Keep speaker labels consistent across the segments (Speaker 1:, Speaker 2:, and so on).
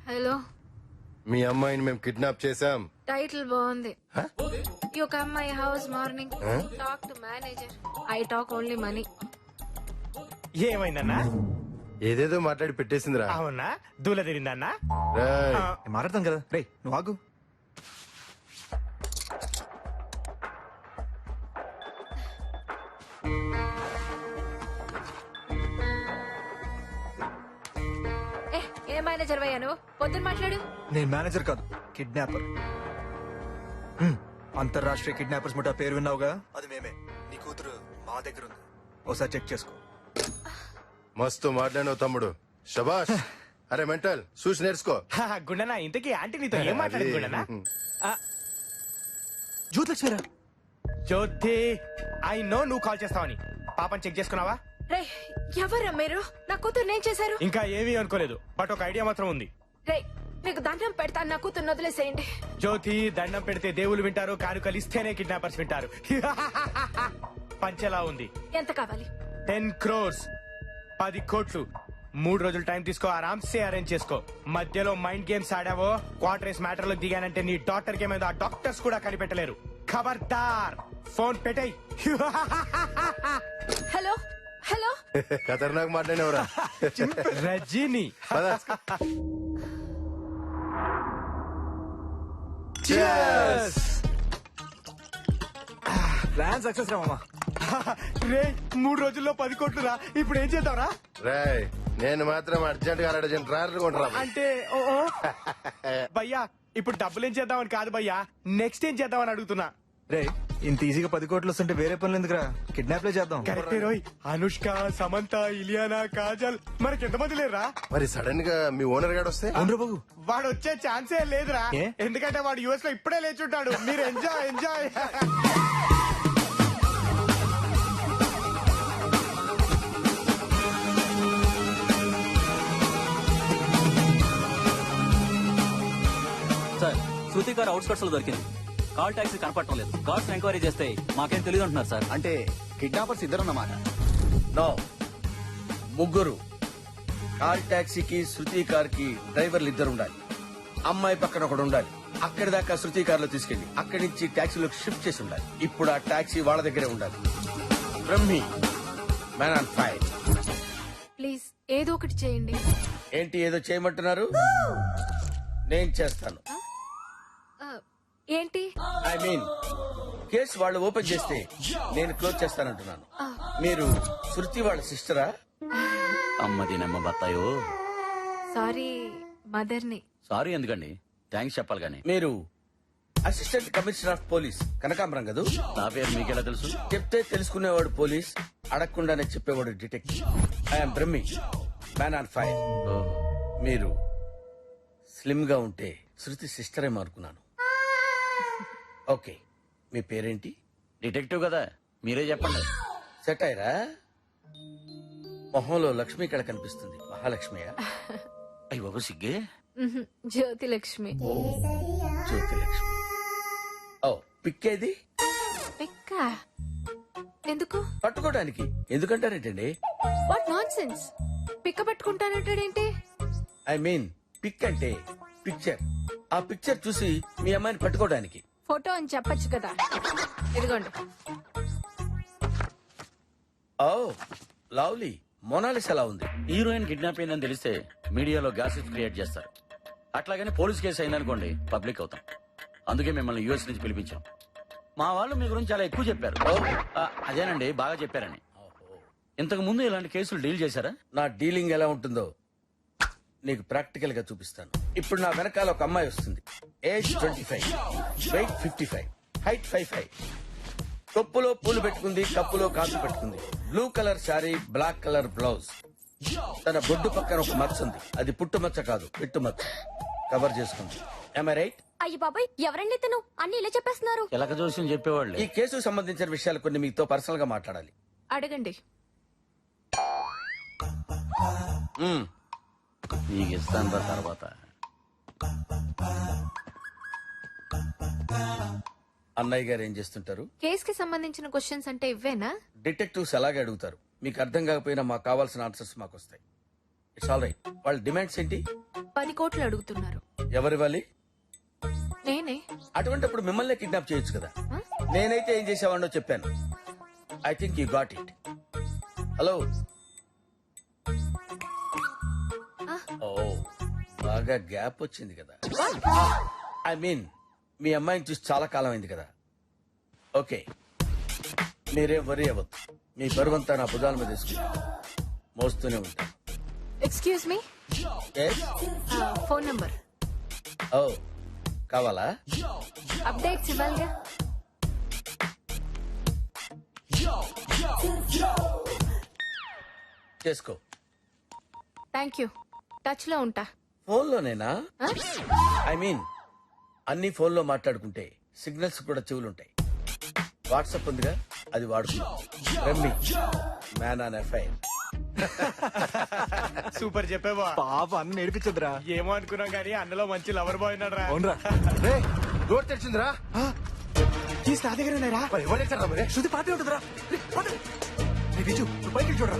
Speaker 1: Hello,
Speaker 2: మీ అమ్మాయిని మేము kidnap చేశాం.
Speaker 1: టైటిల్ బాగుంది. You come my house morning, talk to manager. I talk only money.
Speaker 3: ఏమైందన్నా?
Speaker 2: ఏదేదో మాట్లాడి పెట్టేసిందిరా.
Speaker 3: అవునా? దూల తిరిందన్నా?
Speaker 2: రేయ్,
Speaker 4: మాట్లాడతాం కదా రే నువ్వు ఆగు.
Speaker 1: ఏ మేనేజర్ వయ్యా నువ్వు? పొద్దున్న మాట్లాడు.
Speaker 4: నేను మేనేజర్ కాదు, కిడ్నాపర్. అంతర్రాష్ట్రీయ కిడ్నాపర్స్ ముఠా పేరు విన్నావుగా, అది మేమే. నీ కూతురు మా దగ్గర ఉంది, ఒకసారి చెక్ చేసుకో.
Speaker 2: మస్తు మాట్లాడినావు తమ్ముడు, శబాష్. అరే మెంటల్, చూసి నేర్చుకో.
Speaker 3: గుండనా, ఇంతకీ ఆంటీ నీతో ఏం మాట్లాడింది గుండనా?
Speaker 4: జ్యోతిలక్ష్మిరా.
Speaker 3: జ్యోతి, ఐ నో నువ్వు కాల్ చేస్తావని. పాపని చెక్ చేసుకున్నావా?
Speaker 1: రే, ఎవరా మీరు? నా కూతురు నేను చేశారు.
Speaker 3: ఇంకా ఏమీ అనుకోలేదు, బట్ ఒక ఐడియా మాత్రం ఉంది.
Speaker 1: రే, మీకు దండం పెడతాను, నా కూతురు వదిలేసేయండి.
Speaker 3: జ్యోతి, దండం పెడితే దేవుళ్ళు వింటారు, కానుకలు ఇస్తేనే కిడ్నాపర్స్ వింటారు. పంచెలా ఉంది.
Speaker 1: ఎంత కావాలి?
Speaker 3: 10 crores, 10 కోట్లు. 3 రోజులు టైం తీసుకో, ఆరామ్సే అరేంజ్ చేసుకో. మధ్యలో మైండ్ గేమ్స్ ఆడావో, క్వార్టర్స్ మ్యాటర్ లో దిగానంటే నీ డాక్టర్ కి ఏమైందో ఆ డాక్టర్స్ కూడా కనిపెట్టలేరు. ఖబర్దార్, ఫోన్ పెట్టేయ్.
Speaker 1: హలో హలో,
Speaker 2: ఖతర్నాక్ మాట్లాడినవరా.
Speaker 3: రజీని.
Speaker 4: ప్లాన్ సక్సెస్ రా మామా.
Speaker 3: రే, 3 రోజుల్లో 10 కోట్లు రా. ఇప్పుడు ఏం చేద్దాంరా?
Speaker 2: రాయ్, నేను మాత్రం అర్జెంట్ గా అర్జెంట్ ట్రాయల్ కొంటరా.
Speaker 3: అంటే భయ్యా, ఇప్పుడు డబ్బులు ఏం చేద్దామని కాదు భయ్యా, నెక్స్ట్ ఏం చేద్దామని అడుగుతున్నా.
Speaker 4: రే, ఇంత ఈజీగా 10 కోట్లు వస్తుంటే వేరే పనులు ఎందుకురా, కిడ్నాప్ లే చేద్దాం.
Speaker 3: కరెక్టే రోయ్. అనుష్క, సమంత, ఇలియానా, కాజల్, మనకి ఎంతమంది లేరా?
Speaker 2: మరి సడన్ గా మీ ఓనర్ గాడు వస్తే?
Speaker 4: అవును బాబు,
Speaker 3: వాడు వచ్చే ఛాన్సే లేదురా.
Speaker 4: ఏ?
Speaker 3: ఎందుకంటే వాడు యుఎస్ లో ఇప్పుడే లేచుంటాడు. మీరు ఎంజాయ్ ఎంజాయ్.
Speaker 5: సార్, శృతి గారు అవుట్స్కట్స్ లో దొరికింది. కాల్ టాక్సీ కనపడటం లేదు. కార్స్ ఎంక్వైరీ చేస్తే మాకేం తెలియదు అంటున్నారు సార్.
Speaker 6: అంటే కిడ్నాపర్స్ ఇద్దరున్నమాట. నో, ముగ్గురు. కార్ టాక్సీకి శృతి కార్ కి డ్రైవర్లు ఇద్దరు ఉండాలి. అమ్మాయి పక్కన ఒకడు ఉండాలి. అక్కడి దాకా శృతి కార్ లో తీసుకెళ్లి అక్కడి నుంచి టాక్సీలోకి షిఫ్ట్ చేసి ఉండాలి. ఇప్పుడు ఆ టాక్సీ వాళ్ళ దగ్గరే ఉండాలి. Brahmi, man on fire.
Speaker 1: Please ఏదో ఒకటి చేయండి.
Speaker 6: ఏంటి ఏదో చేయమంటున్నారు? నేను చేస్తాను.
Speaker 1: ఏంటి?
Speaker 6: ఐ మీన్, కేసు వాళ్ళు ఓపెన్ చేస్తే నేను క్లోజ్ చేస్తానంటున్నాను. మీరు శృతి వాళ్ళ సిస్టరా?
Speaker 5: అమ్మది నమ్మ బత్తాయో.
Speaker 1: సారీ, మదర్ని.
Speaker 5: సారీ ఎందుకండి, థ్యాంక్స్ చెప్పాలి కానీ.
Speaker 6: మీరు అసిస్టెంట్ కమిషనర్ ఆఫ్ పోలీస్ కనకాంబరం కదూ?
Speaker 5: నా పేరు మీకెలా తెలుసు?
Speaker 6: చెప్తే తెలుసుకునేవాడు పోలీస్, అడగకుండానే చెప్పేవాడు detective. I'm Brahmi, man on fire. మీరు స్లిమ్ గా ఉంటే శృతి సిస్టరే అనుకున్నాను. ఓకే, మీ పేరేంటి?
Speaker 5: డిటెక్టివ్ కదా, మీరే చెప్పండి.
Speaker 6: సెట్ అయ్యరా? మొహంలో లక్ష్మి ఇక్కడ కనిపిస్తుంది. మహాలక్ష్మియా?
Speaker 5: అయ్యి బాబు సిగ్గే.
Speaker 1: జ్యోతి లక్ష్మి.
Speaker 6: జ్యోతి లక్ష్మి. ఓ, పిక్కేది?
Speaker 1: పిక్క ఎందుకు?
Speaker 6: పట్టుకోవడానికి. ఎందుకంటారేంటండి?
Speaker 1: What nonsense. పిక్క పట్టుకుంటానంటాడేంటి?
Speaker 6: ఐ మీన్, పిక్ అంటే పిక్చర్. ఆ పిక్చర్ చూసి మీ అమ్మాయిని పట్టుకోవడానికి.
Speaker 1: ఫోటో అని చెప్పొచ్చు కదా. ఇదిగోండి.
Speaker 6: Oh lovely. మొనాలిస్ ఎలా ఉంది?
Speaker 5: హీరోయిన్ కిడ్నాప్ అయిందని తెలిస్తే మీడియాలో గ్యాసెస్ క్రియేట్ చేస్తారు. అట్లాగని పోలీస్ కేసు అయిందనుకోండి, పబ్లిక్ అవుతాం. అందుకే మిమ్మల్ని యూఎస్ నుంచి పిలిపించాం. మా వాళ్ళు మీ గురించి చాలా ఎక్కువ చెప్పారు. అదేనండి, బాగా చెప్పారని. ఇంతకు ముందు ఇలాంటి కేసులు డీల్ చేశారా?
Speaker 6: నా డీలింగ్ ఎలా ఉంటుందో నీకు ప్రాక్టికల్ గా చూపిస్తాను. ఇప్పుడు నా వెనకాల ఒక అమ్మాయి వస్తుంది. Age 25, wait 55, height 55. తొప్పులో పూలు పెట్టుకుంది, కప్పులో కాసు పెట్టుకుంది. Blue colour sari, black colour blouse. తన బొడ్డు పక్కన ఒక మచ్చ ఉంది. అది పుట్టు మచ్చ కాదు, పిట్టు మచ్చ. కవర్ చేసుకుంది. Am I right?
Speaker 7: అయ్యి బాబాయ్, ఎవరండి తను? అన్ని ఇలా చెప్పేస్తున్నారు.
Speaker 5: ఎలక జోస్యం చెప్పేవాళ్ళు.
Speaker 6: ఈ కేసుకు సంబంధించిన విషయాలు కొన్ని మీతో పర్సనల్ గా మాట్లాడాలి.
Speaker 1: అడగండి.
Speaker 5: నీకు ఇస్తాను తర్వాత.
Speaker 6: అన్నయ్య గారు ఏం చేస్తుంటారు?
Speaker 1: కేసుకి సంబంధించిన క్వశ్చన్స్ అంటే ఇవ్వేనా?
Speaker 6: డిటెక్టివ్స్ అలాగే అడుగుతారు. మీకు అర్థం కాకపోయినా మాకు కావాల్సిన ఆన్సర్స్ మాకు వస్తాయి. It's all right. వాళ్ళ డిమాండ్స్ ఏంటి?
Speaker 1: 10 కోట్లు అడుగుతున్నారు.
Speaker 6: ఎవరివ్వాలి?
Speaker 1: నేనే.
Speaker 6: అటువంటిప్పుడు మిమ్మల్ని కిడ్నాప్ చేయొచ్చు కదా. నేనైతే ఏం చేసేవాడినో చెప్పాను. I think you got it. Hello. ఓ బాగా గ్యాప్ వచ్చింది కదా. ఐ మీన్ మీ అమ్మాయిని చూసి చాలా కాలం అయింది కదా. ఓకే, మీరేం వరి అవ్వద్దు. మీ బరువంతా నా భుజాల మీద తీసుకుంటా మోస్తూనే ఉంటాను.
Speaker 1: Excuse me,
Speaker 6: Yes?
Speaker 1: Phone number.
Speaker 6: ఓ కావాలా?
Speaker 1: అప్డేట్స్ ఇవ్వాలిగా.
Speaker 6: చేసుకో.
Speaker 1: Thank you. టచ్ లో ఉంటా.
Speaker 6: ఫోన్లోనేనా?
Speaker 1: ఆ?
Speaker 6: ఐ మీన్ అన్ని ఫోన్లో మాట్లాడుకుంటే సిగ్నల్స్ కూడా చెవులుంటాయి. వాట్సాప్ ఉందిగా, అది వాడుకుందాం. రమ్మి మ్యాన్ ఆన్ ఎఫ్ఐఆర్.
Speaker 3: సూపర్ చెప్పేవా.
Speaker 4: పాప అన్న నేర్పించదురా.
Speaker 3: ఏమో అనుకున్నాం కానీ అన్నలో మంచి లవర్ బాయ్ ఉన్నాడు రా.
Speaker 4: అవునరా?
Speaker 2: రే డోర్ తెరిచిందిరా.
Speaker 3: కీస్ నా దగ్గర ఉన్నారా?
Speaker 2: మరి ఎవరు తెచ్చారా మరి?
Speaker 4: శృతి పాటే ఉంటుందిరా. విజు నువ్వు పైకి చూడరా.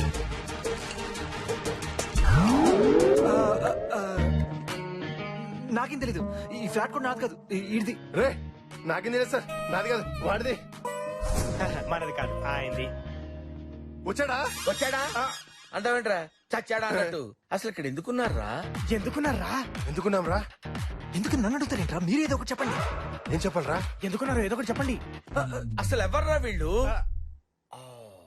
Speaker 4: నాకేం తెలీదు. ఈ ఫ్లాట్ కూడా నాది కాదు, ఇది.
Speaker 2: రే నాకేం తెలియదు సార్, నాది కాదు వాడిది.
Speaker 3: మనది కాదు, ఆయనది.
Speaker 2: వచ్చాడా?
Speaker 6: వచ్చాడా అంటావేంట్రా? చచ్చాడా అన్నట్టు. అసలు ఇక్కడ ఎందుకున్నారా?
Speaker 3: ఎందుకున్నారా?
Speaker 2: ఎందుకున్నాం రా?
Speaker 4: ఎందుకు నన్ను అడుగుతారేంట్రా? మీరేదో ఒకటి చెప్పండి.
Speaker 2: ఏం చెప్పాలరా?
Speaker 3: ఎందుకున్నారు? ఏదో ఒకటి చెప్పండి.
Speaker 6: అసలు ఎవర్రా వీళ్ళు? ఆ,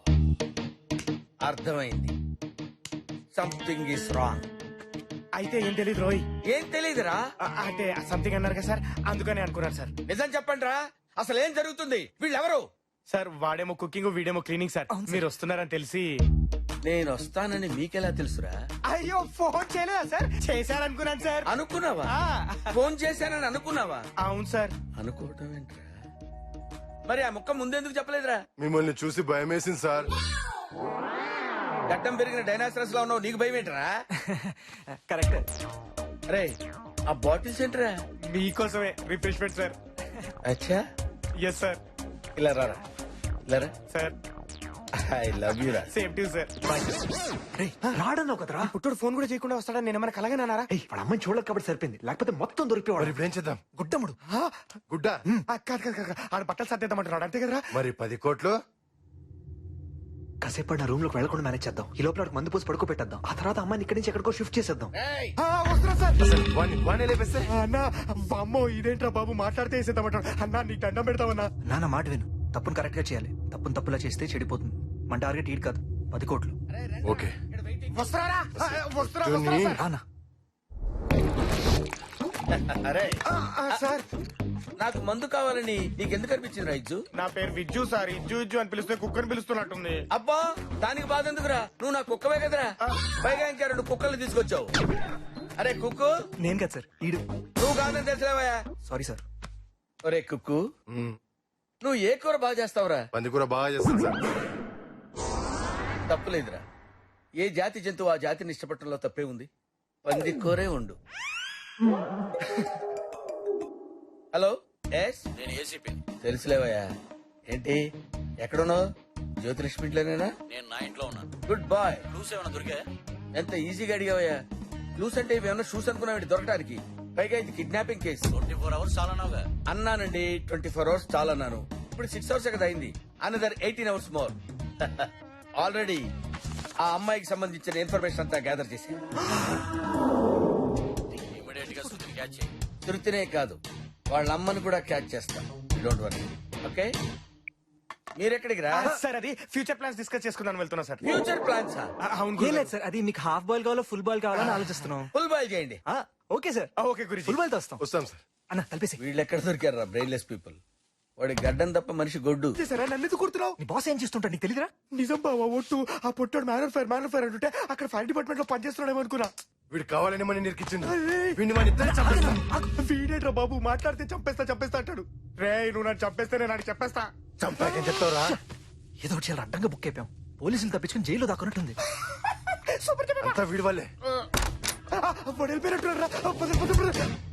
Speaker 6: అర్థమైంది. Something is wrong.
Speaker 3: అయితే ఏం తెలియదు రోయ్.
Speaker 6: ఏం తెలీదురా?
Speaker 3: అంటే సంథింగ్ అన్నారు కదా సార్, అందుకని అనుకున్నారు సార్.
Speaker 6: నిజం చెప్పండి రా, అసలు ఏం జరుగుతుంది? వీళ్ళెవరు?
Speaker 3: సార్ వాడేమో కుకింగ్, వీడేమో క్లీనింగ్ సార్. మీరు వస్తున్నారని తెలిసి.
Speaker 6: నేను వస్తానని మీకెలా తెలుసురా?
Speaker 3: అయ్యో ఫోన్ చేయలేదా సార్? చేశారనుకున్నాను సార్.
Speaker 6: అనుకున్నావా?
Speaker 3: ఆ,
Speaker 6: ఫోన్ చేశానని అనుకున్నావా?
Speaker 3: అవును సార్.
Speaker 6: అనుకోవటం ఏంట్రా? మరి ఆ ముక్క ముందెందుకు చెప్పలేదురా?
Speaker 2: మిమ్మల్ని చూసి భయం వేసింది సార్.
Speaker 6: గడ్డం పెరిగిన డైనాసరస్ లా ఉన్నావు, నీకు భయం ఏంట్రా?
Speaker 4: కరెక్ట్.
Speaker 6: అరే ఆ బాటిల్స్ ఏంట్రా?
Speaker 3: మీకోసమే రిఫ్రెష్మెంట్ సార్.
Speaker 6: అచ్చా,
Speaker 3: ఎస్ సార్.
Speaker 6: ఇలా రారా, ఇలా రా.
Speaker 3: సార్
Speaker 6: ఐ లవ్ యూ రా.
Speaker 3: Same to sir.
Speaker 4: రాడన్నావు కదరా.
Speaker 3: పుట్టుడు ఫోన్ కూడా చేయకుండా వస్తాడని నేను ఏమైనా కలగనన్నారా?
Speaker 4: వాడు అమ్మాయిని చూడలేదు కాబట్టి సరిపోయింది, లేకపోతే మొత్తం
Speaker 2: మరి
Speaker 4: దొరికిపోవాడు.
Speaker 2: ఇప్పుడు ఏం చేద్దాం?
Speaker 4: గుడ్డముడు.
Speaker 2: గుడ్డ?
Speaker 3: కాదు కాదు కాదు, ఆడ బట్టలు సర్దేద్దామంటున్నాడు అంతే కదరా?
Speaker 2: మరి 10 కోట్లు?
Speaker 4: కాసేపు నా రూమ్ లోకి వెళ్ళకుండా మేనేజ్ చేద్దాం. ఈ లోపల వాడికి మందు పోసి పడుకో పెట్టేద్దాం. ఆ తర్వాత అమ్మాయిని ఇక్కడి నుంచి ఎక్కడికో షిఫ్ట్ చేసేద్దాం.
Speaker 6: ఏయ్,
Speaker 3: వస్తున్నా సార్.
Speaker 2: వాణ్ణి లేపేస్తే?
Speaker 3: అన్న అమ్మో ఇదేంట్రా బాబు, మాట్లాడితే వేసేద్దామంటాడు. అన్నా నీకు దండం పెడతామన్నా.
Speaker 4: నాన్న మాట విను. తప్పును కరెక్ట్ గా చేయాలి. తప్పును తప్పులా చేస్తే చెడిపోతుంది. మన టార్గెట్ ఈడు కాదు, 10 కోట్లు.
Speaker 2: ఓకే.
Speaker 3: వస్తున్నారా? వస్తున్నా
Speaker 2: చూని.
Speaker 4: రానా?
Speaker 6: అరే
Speaker 3: సార్.
Speaker 6: నాకు మందు కావాలని నీకెందుకు అనిపించింది రా ఇజ్జు?
Speaker 3: నా పేరు విజ్జు సార్. ఇజ్జు ఇజ్జు అని పిలిస్తే కుక్కని పిలుస్తున్నట్టుంది.
Speaker 6: అబ్బా దానికి బాధ ఎందుకురా? నువ్వు నా కుక్కవే కదరా. పైగా ఇంకా 2 కుక్కల్ని తీసుకొచ్చావు. అరే కుక్కు,
Speaker 4: నేను కాదు సార్, ఈడు.
Speaker 6: నువ్వు కాదని తెలిసిలేవయా?
Speaker 4: Sorry sir.
Speaker 6: ఒరే కుక్కు, నువ్వు ఏ కూర బాగా చేస్తావురా?
Speaker 2: పందికూర బాగా చేస్తాను సార్.
Speaker 6: తప్పులేదురా. ఏ జాతి జంతువు ఆ జాతిని ఇష్టపడటంలో తప్పే ఉంది. పంది కూరే ఉండు. హలో, ఎస్,
Speaker 5: నేను ఏసీపీ.
Speaker 6: తెలుసులేవయ్యా. ఏంటి ఎక్కడున్నావు? జ్యోతిలక్ష్మి ఇంట్లోనేనా?
Speaker 5: నేను నా ఇంట్లో ఉన్నాను.
Speaker 6: Good bye.
Speaker 5: క్లూస్ ఏమైనా దొరికా?
Speaker 6: ఎంత ఈజీగా అడిగావయ్యా. క్లూస్ అంటే ఇవేమన్నా షూస్ అనుకున్నావు దొరకడానికి? పైగా ఇది కిడ్నాపింగ్ కేసు.
Speaker 5: 24 hours చాలా నావుగా.
Speaker 6: అన్నానండి, 24 hours చాలా అన్నాను. ఇప్పుడు 6 hours కదా అయింది. Another 18 hours more. ఆల్రెడీ ఆ అమ్మాయికి సంబంధించిన ఇన్ఫర్మేషన్ అంతా గ్యాదర్ చేశాను.
Speaker 5: ఇమీడియట్ గా సుతిని క్యాచ్ చేయి.
Speaker 6: తృప్తినే కాదు, వాళ్ళ అమ్మని కూడా క్యాచ్ చేస్తాం. Don't worry. ఓకే, మీరెక్కడికి రా?
Speaker 3: సార్ అది ఫ్యూచర్ ప్లాన్స్ డిస్కస్ చేసుకుందాం వెళ్తున్నా సార్.
Speaker 6: Future plans.
Speaker 3: అవును
Speaker 4: ఏం
Speaker 3: గురు.
Speaker 4: లేదు సార్, అది మీకు హాఫ్ బాల్ కావాలో ఫుల్ బాల్ కావాలని ఆలోచిస్తున్నాం.
Speaker 6: ఫుల్ బాయ్ చేయండి.
Speaker 4: ఓకే సార్,
Speaker 3: ఓకే గురించి.
Speaker 4: ఫుల్ బాల్ తో వస్తాం.
Speaker 2: వస్తాం సార్.
Speaker 4: అన్న తలిపేసి.
Speaker 6: వీళ్ళు ఎక్కడ దొరికారా బ్రెయిన్లెస్ పీపుల్? వాడి గడ్డం తప్ప మనిషి గొడ్డు.
Speaker 3: సరే నన్ను ఎందుకు కుడుతున్నావు?
Speaker 4: నీ బాస్ ఏం చేస్తుంటాడు నీకు తెలియదురా?
Speaker 3: నిజం బావా, ఒట్టు. ఆ పొట్టాడు మ్యాన్ ఫైర్ అంటుంటే అక్కడ ఫైర్ డిపార్ట్మెంట్ లో పనిచేస్తున్నాడేమో అనుకున్నా.
Speaker 2: వీడు కావాలని మన నిరికిచ్చిండు. వీడిని మన ఇద్దరు చంపేస్తాం.
Speaker 3: వీడేట్రా బాబు, మాట్లాడితే చంపేస్తా అంటాడు. రే నువ్వు నన్ను చంపేస్తే నేను నాకు చెప్పేస్తా.
Speaker 2: చంపాకేం చెప్తావురా?
Speaker 4: ఏదో ఒకటి చాలా అడ్డంగా బుక్ అయిపోయాం. పోలీసులు తప్పించుకుని జైల్లో దాక్కున్నట్టుంది.
Speaker 3: సూపర్ చెప్పా.
Speaker 2: అంతా వీడి వాళ్ళే.
Speaker 3: వాడు వెళ్ళిపోయినట్టున్నారా?